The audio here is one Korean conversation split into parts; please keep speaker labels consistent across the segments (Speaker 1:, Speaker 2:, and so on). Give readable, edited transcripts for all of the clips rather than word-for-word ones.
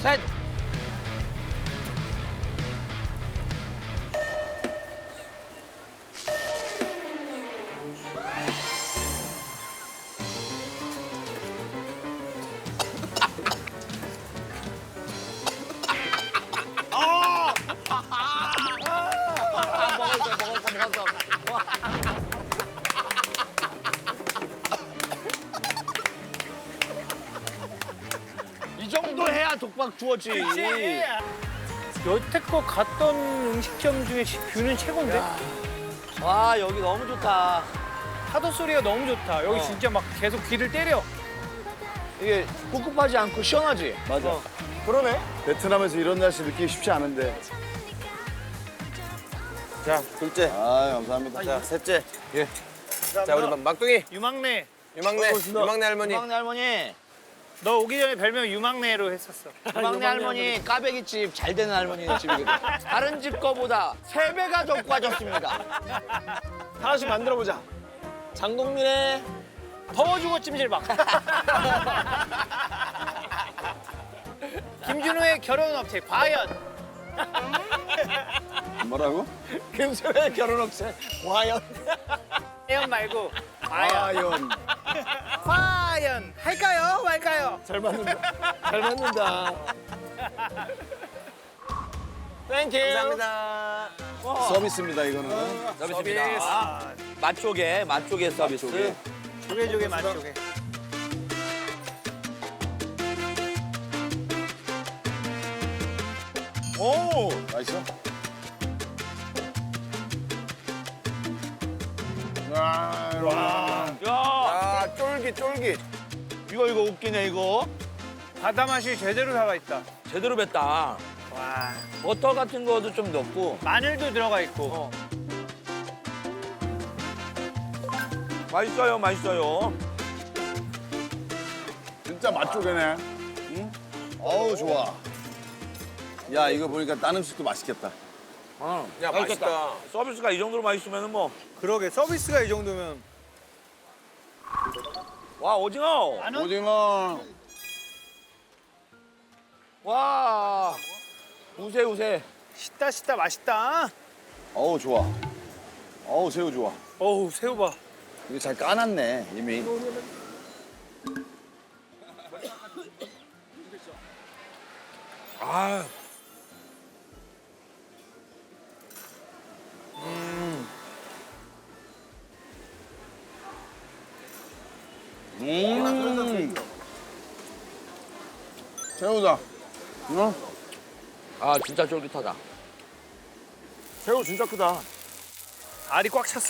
Speaker 1: 셋. 먹었어. 이 정도 해야 독박 주어지.
Speaker 2: 여태껏 갔던 음식점 중에 뷰는 최고인데?
Speaker 1: 와, 여기 너무 좋다.
Speaker 2: 파도 소리가 너무 좋다. 여기 진짜 막 계속 귀를 때려.
Speaker 1: 이게 꿉꿉하지 않고 시원하지?
Speaker 3: 맞아. 그러네. 베트남에서 이런 날씨 느끼기 쉽지 않은데.
Speaker 4: 자, 둘째.
Speaker 3: 아, 감사합니다.
Speaker 4: 자, 셋째.
Speaker 3: 예.
Speaker 4: 자, 우리 막둥이.
Speaker 2: 유막내.
Speaker 4: 유막내. 유막내 할머니.
Speaker 1: 막내 할머니.
Speaker 2: 너 오기 전에 별명 유막내로 했었어.
Speaker 1: 막내 할머니 까베기집 잘 되는 할머니 집이거든. 다른 집 거보다 3배가 더 빠졌습니다.
Speaker 4: 하나씩 만들어 보자. 장동민의
Speaker 2: 더워주고 찜질방. 김준호의 결혼업체 과연.
Speaker 3: 뭐라고?
Speaker 4: 금수의 결혼업체 과연.
Speaker 2: 과연 말고 과연.
Speaker 3: 과연.
Speaker 2: 과연 할까요 말까요?
Speaker 4: 잘 맞는다. 잘 맞는다. 땡큐. 감사합니다.
Speaker 3: 서비스입니다, 이거는.
Speaker 1: 서비스입니다. 맛조개 서비스.
Speaker 2: 조개조개 맛조개.
Speaker 3: 오! 맛있어? 와.
Speaker 1: 야,
Speaker 4: 아, 쫄깃.
Speaker 1: 이거 웃기네 이거.
Speaker 2: 바다 맛이 제대로 살아 있다.
Speaker 1: 제대로 뱉다.
Speaker 2: 와.
Speaker 1: 버터 같은 거도 좀 넣고.
Speaker 2: 마늘도 들어가 있고.
Speaker 1: 어. 맛있어요.
Speaker 3: 진짜 맛조개네. 응? 어우, 좋아. 야, 이거 보니까 딴 음식도 맛있겠다.
Speaker 4: 야, 맛있다.
Speaker 1: 서비스가 이 정도로 맛있으면 뭐.
Speaker 2: 그러게 서비스가 이 정도면.
Speaker 1: 와, 오징어.
Speaker 2: 안 오?
Speaker 3: 오징어.
Speaker 1: 와. 우세.
Speaker 2: 씻다 맛있다.
Speaker 3: 어우, 좋아. 어우, 새우 좋아.
Speaker 2: 어우 새우 봐.
Speaker 3: 이거 잘 까놨네, 이미.
Speaker 1: 아.
Speaker 3: 새우다. 어?
Speaker 1: 아, 진짜 쫄깃하다.
Speaker 4: 새우 진짜 크다.
Speaker 2: 알이 꽉 찼어.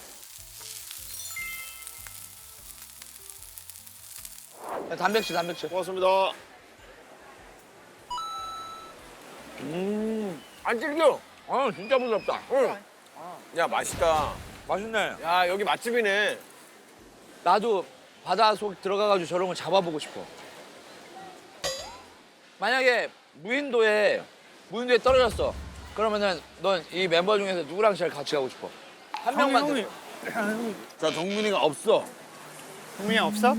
Speaker 1: 단백질.
Speaker 4: 고맙습니다. 안 질겨.
Speaker 1: 아, 진짜 부드럽다.
Speaker 4: 응. 야, 맛있다.
Speaker 1: 맛있네.
Speaker 4: 야, 여기 맛집이네.
Speaker 1: 나도 바다 속 들어가가지고 저런 거 잡아보고 싶어. 만약에 무인도에 떨어졌어. 그러면은 넌 이 멤버 중에서 누구랑 제일 같이 가고 싶어? 한 명만.
Speaker 2: 형이
Speaker 3: 자, 동민이가 없어.
Speaker 2: 국민이 없어?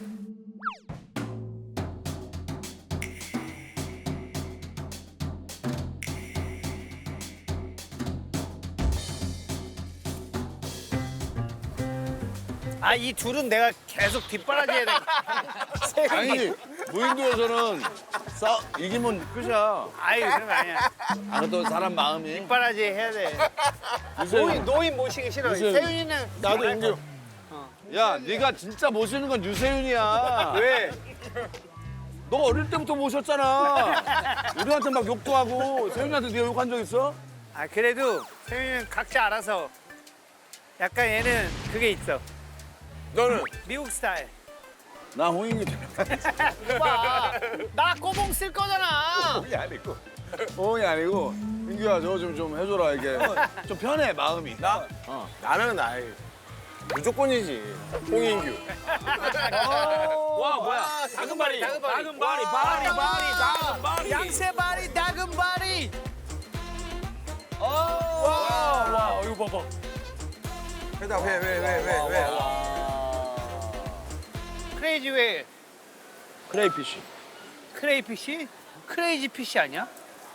Speaker 2: 아, 이 둘은 내가 계속 뒷바라지해야 돼.
Speaker 3: 아니, 무인도에서는 이기면 끝이야.
Speaker 2: 아이, 그런 거 아니야.
Speaker 3: 아, 또 사람 마음이.
Speaker 2: 뒷바라지 해야 돼. 노인 모시기 싫어.
Speaker 3: 유세윤.
Speaker 2: 세윤이는
Speaker 3: 나도 인규. 야, 네가 진짜 모시는 건 유세윤이야.
Speaker 2: 왜?
Speaker 3: 너 어릴 때부터 모셨잖아. 우리한테 막 욕도 하고 세윤이한테 네가 욕한 적 있어?
Speaker 2: 아, 그래도 세윤이는 각자 알아서 약간 얘는 그게 있어.
Speaker 4: 너는?
Speaker 2: 미국 스타일.
Speaker 3: 나 홍인이
Speaker 2: 봐. 나 꼬봉 쓸 거잖아.
Speaker 3: 홍이 아니고. 홍이 아니고. 인규야, 저거 좀 해줘라, 이게. 좀 편해, 마음이.
Speaker 4: 나? 나는 아이. 무조건이지. 홍인규.
Speaker 1: 와, 뭐야?
Speaker 4: 다금바리.
Speaker 1: 바리.
Speaker 2: 양세바리, 다금바리.
Speaker 4: 와, 이거 봐봐. 회다, 회.
Speaker 2: 크레이지 웨일.
Speaker 1: 크레이피쉬.
Speaker 2: 크레이피쉬? 크레이지 피쉬 아니야?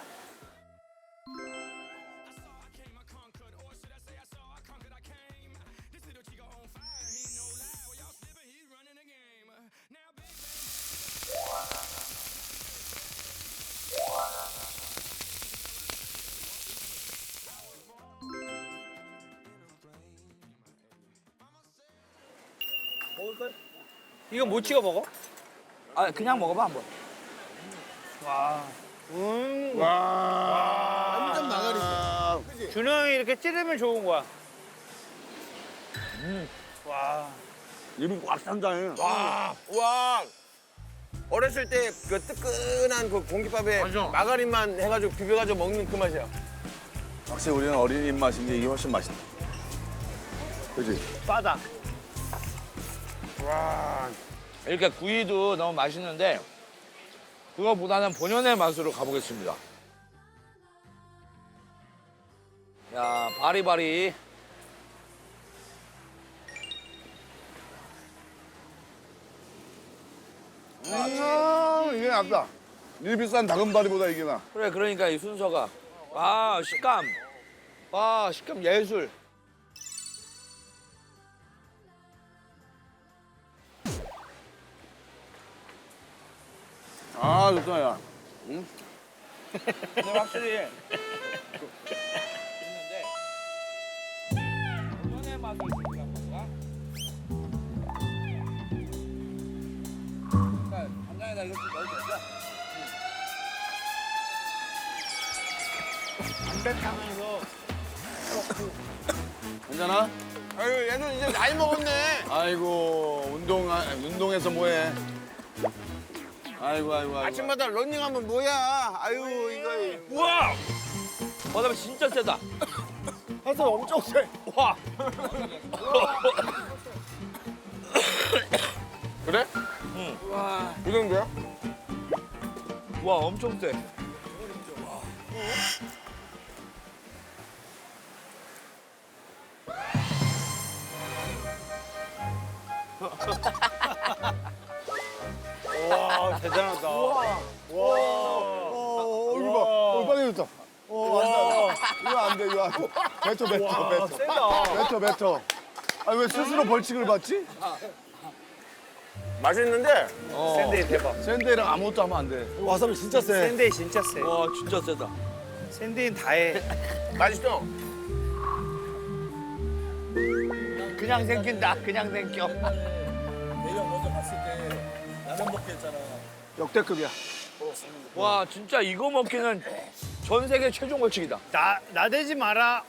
Speaker 2: 이거 뭐 찍어 먹어?
Speaker 1: 아 그냥 먹어봐 한번.
Speaker 2: 와.
Speaker 4: 완전 나가리.
Speaker 2: 준호 형이 이렇게 찌르면 좋은 거야. 와.
Speaker 3: 입이 꽉 찬다해.
Speaker 4: 와. 어렸을 때 그 뜨끈한 그 공깃밥에 마가린만 해가지고 비벼가지고 먹는 그 맛이야.
Speaker 3: 확실히 우리는 어린이 입맛인 게 이게 훨씬 맛있다. 그지?
Speaker 2: 바다.
Speaker 1: 이렇게 구이도 너무 맛있는데 그거보다는 본연의 맛으로 가보겠습니다. 야 바리바리.
Speaker 3: 이게 낫다. 이 비싼 다금바리보다 이게 나.
Speaker 1: 그래 그러니까 이 순서가 아 식감 와 식감 예술.
Speaker 3: 아 좋다 야.
Speaker 1: 근데 확실히 있는데 본연의 맛을 주니까 뭔가 그러니까 간장에다 이렇게 넣어도 되죠?
Speaker 2: 담백하면서
Speaker 3: 괜찮아?
Speaker 4: 아유 얘는 이제 나이 먹었네.
Speaker 3: 아이고 운동해서 뭐해? 아이고.
Speaker 4: 아침마다 런닝하면 뭐야? 아유 이거.
Speaker 1: 우와! 바다면 진짜 세다.
Speaker 4: 해서 엄청 세.
Speaker 1: 와!
Speaker 4: 그래?
Speaker 1: 응.
Speaker 4: 와. 이 정도야?
Speaker 1: 와 엄청 세.
Speaker 2: 와 대단하다.
Speaker 3: 이거 봐. 빨개졌다. 이거 안 돼. 이거 안 돼. 뱉어.
Speaker 2: 세다.
Speaker 3: 뱉어. 아 왜 스스로 벌칙을 받지?
Speaker 4: 맛있는데
Speaker 2: 샌데이 대박.
Speaker 3: 샌드랑 아무것도 하면 안 돼. 와사비 진짜 세.
Speaker 2: 샌데이 진짜 세.
Speaker 1: 와 진짜 세다.
Speaker 2: 샌데이는 다 해.
Speaker 4: 맛있어.
Speaker 1: 그냥 생긴다. 그냥 생겨.
Speaker 3: 역대급이야.
Speaker 1: 와 진짜 이거 먹기는 전 세계 최종 벌칙이다.
Speaker 2: 나대지 마라.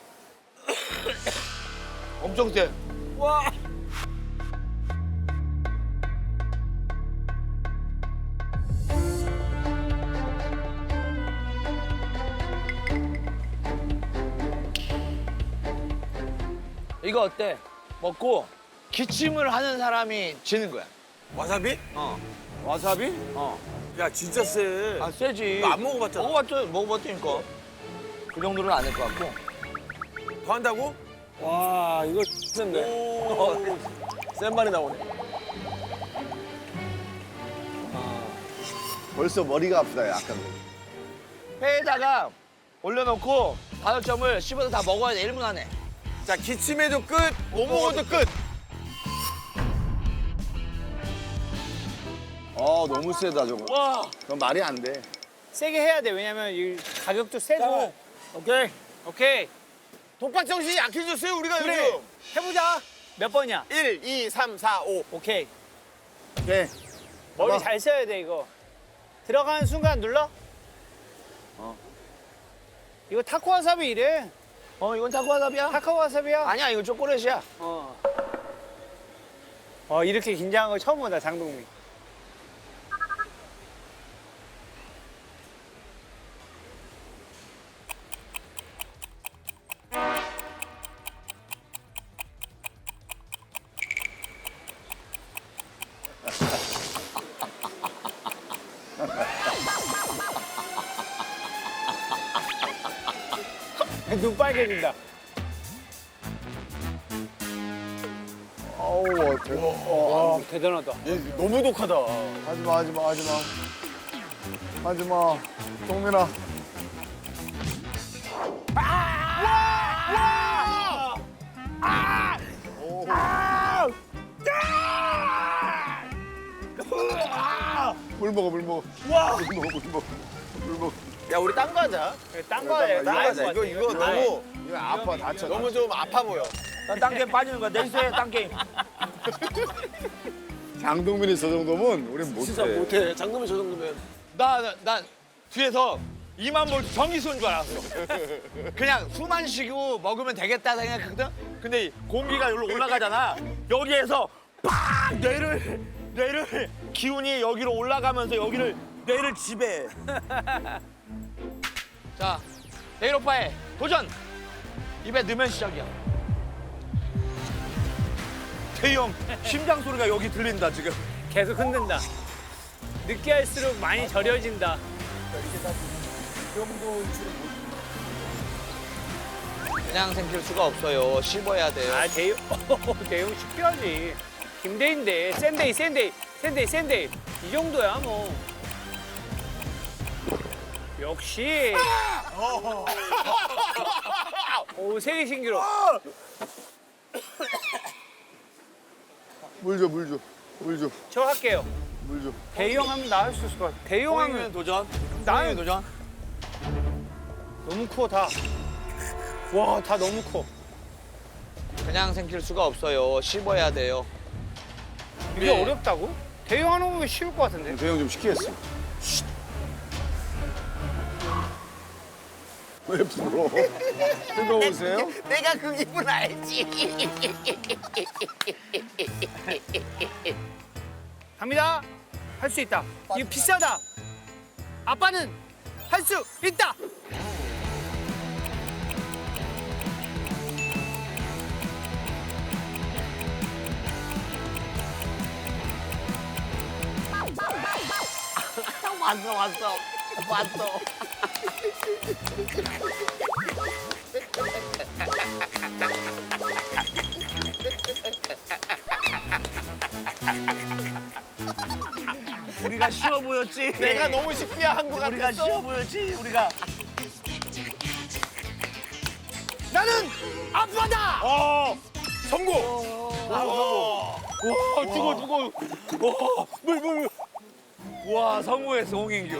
Speaker 1: 엄청 세. 와. 이거 어때? 먹고 기침을 하는 사람이 지는 거야.
Speaker 4: 와사비?
Speaker 3: 와사비?
Speaker 4: 야 진짜 세.
Speaker 1: 아 세지.
Speaker 4: 너 안 먹어봤잖아.
Speaker 1: 먹어봤다니까. 그 정도는 아닐 것 같고.
Speaker 4: 더 한다고?
Speaker 3: 와 이거 센데. 센 말이 나오네. 벌써 머리가 아프다 야 아까.
Speaker 1: 회에다가 올려놓고 5점을 씹어서 다 먹어야 돼. 1분 안에.
Speaker 4: 자 기침해도 끝, 못 먹어도 끝.
Speaker 3: 너무 세다 저거.
Speaker 1: 와.
Speaker 3: 그건 말이 안 돼.
Speaker 2: 세게 해야 돼. 왜냐면 이 가격도 세고.
Speaker 4: 오케이.
Speaker 2: 오케이.
Speaker 4: 독박 정신이 약해졌어요 우리가
Speaker 2: 그래.
Speaker 4: 요즘.
Speaker 2: 해보자. 몇 번이야?
Speaker 4: 1, 2, 3, 4, 5.
Speaker 2: 오케이.
Speaker 3: 오케이.
Speaker 2: 머리
Speaker 3: 봐봐.
Speaker 2: 잘 써야 돼 이거. 들어가는 순간 눌러. 이거 타코 와사비 이래.
Speaker 1: 이건 타코와사비야?
Speaker 2: 타코 와사비야.
Speaker 1: 아니야, 이거 초콜릿이야.
Speaker 2: 이렇게 긴장한 거 처음 보다 장동민. 눈 빨개진다.
Speaker 3: 어우
Speaker 2: 와 대단하다.
Speaker 4: 너무 독하다.
Speaker 3: 하지마. 하지마. 동민아. 물 먹어, 물 먹어. 와! 물 먹어, 물 먹어. 물 먹어.
Speaker 4: 야 우리 딴 거 하자.
Speaker 2: 딴 거야.
Speaker 4: 딴거 하자. 이거 너무
Speaker 3: 이거 아파, 다쳐.
Speaker 4: 너무 좀 아파 보여.
Speaker 1: 딴 게임 빠지는 거야. 내수해, 딴 게임.
Speaker 3: 장동민이 저 정도면 우린 못해.
Speaker 4: 진짜 못해. 장동민 저 정도면.
Speaker 1: 난 뒤에서 2만 볼트 전기 쏘는 줄 알았어. 그냥 숨만 쉬고 먹으면 되겠다 생각했거든. 근데 공기가 여기로 올라가잖아. 여기에서 빡 뇌를 기운이 여기로 올라가면서 여기를 뇌를 지배해. 자, 내일 오빠의 도전. 입에 넣으면 시작이야. 태희 형 심장 소리가 여기 들린다 지금.
Speaker 2: 계속 흔든다. 늦게 할수록 많이 절여진다.
Speaker 1: 그냥 생길 수가 없어요. 씹어야 돼요.
Speaker 2: 아, 대용 쉽게 하지. 김대인데, 센데이. 이 정도야, 뭐. 역시. 오, 세계 신기록.
Speaker 3: 물 줘, 물 줘. 물 줘.
Speaker 2: 저 할게요.
Speaker 3: 물 줘.
Speaker 2: 대용 하면 나 할 수 있을 것 같아. 대용
Speaker 1: 호잉은
Speaker 2: 하면
Speaker 1: 도전.
Speaker 2: 나는-
Speaker 1: 호잉은 도전.
Speaker 2: 너무 커, 다. 와, 다 너무 커.
Speaker 1: 그냥 생길 수가 없어요. 씹어야 돼요.
Speaker 2: 이게
Speaker 1: 네.
Speaker 2: 어렵다고? 대용 하는 거면 쉬울 것 같은데.
Speaker 3: 대형 좀 시키겠어. 왜 불어? 뜨거우세요?
Speaker 4: 내가 그 기분 알지.
Speaker 2: 갑니다. 할 수 있다. 이거 비싸다. 아빠는 할 수 있다.
Speaker 1: 왔어. 우리가 쉬워 보였지.
Speaker 4: 내가 너무 쉽게 한 거
Speaker 1: 우리가
Speaker 4: 같았어.
Speaker 1: 쉬워 보였지. 우리가. 나는 아빠다.
Speaker 4: 성공.
Speaker 1: 와, 뜨거. 와, 물. 와, 성공했어, 홍인규.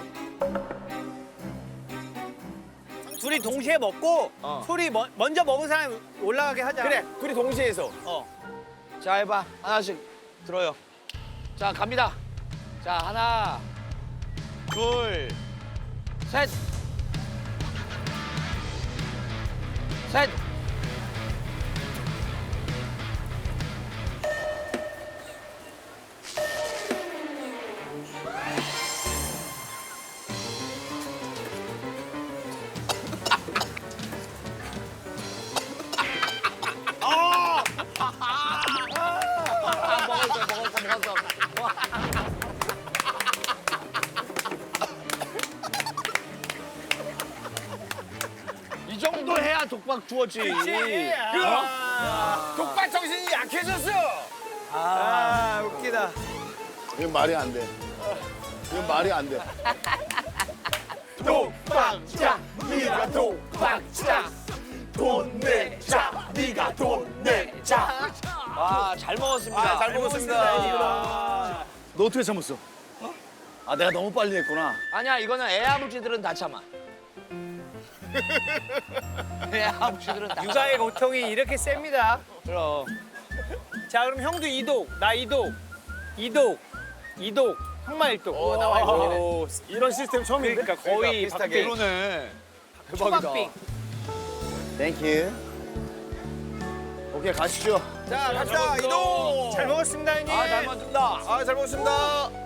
Speaker 2: 둘이 동시에 먹고 소리 먼저 먹은 사람이 올라가게 하자.
Speaker 4: 그래, 둘이 동시에 해서.
Speaker 1: 자, 해봐. 하나씩 들어요. 자, 갑니다. 자, 하나, 둘, 셋. 셋. 먹었어. 이 정도 해야 독박 주었지.
Speaker 4: 독박 정신이 약해졌어.
Speaker 2: 아, 웃기다.
Speaker 3: 이건 말이 안 돼. 이건 말이 안 돼.
Speaker 4: 독박자, 네가 독박자. 돈 내자, 네가 돈 내자.
Speaker 1: 와, 잘 먹었습니다.
Speaker 4: 잘 먹었습니다.
Speaker 3: 너 어떻게 참았어? 아, 내가 너무 빨리 했구나.
Speaker 1: 아니야, 이거는 애 아버지들은 다 참아. 애 아버지들은 다
Speaker 2: 육아의 고통이 이렇게 셉니다.
Speaker 1: 그럼.
Speaker 2: 자, 그럼 형도 이독, 나 이독, 형만 일독.
Speaker 4: 오, 나와 있네.
Speaker 2: 오,
Speaker 4: 이런 시스템 처음인데?
Speaker 2: 그러니까 거의
Speaker 4: 비슷하게.
Speaker 1: 그러네.
Speaker 2: 초밥빙.
Speaker 3: 땡큐. 오케이, 가시죠.
Speaker 4: 자, 갑시다. 이동.
Speaker 2: 잘 먹었습니다, 형님.
Speaker 1: 아, 잘 먹었습니다.
Speaker 4: 잘 먹었습니다.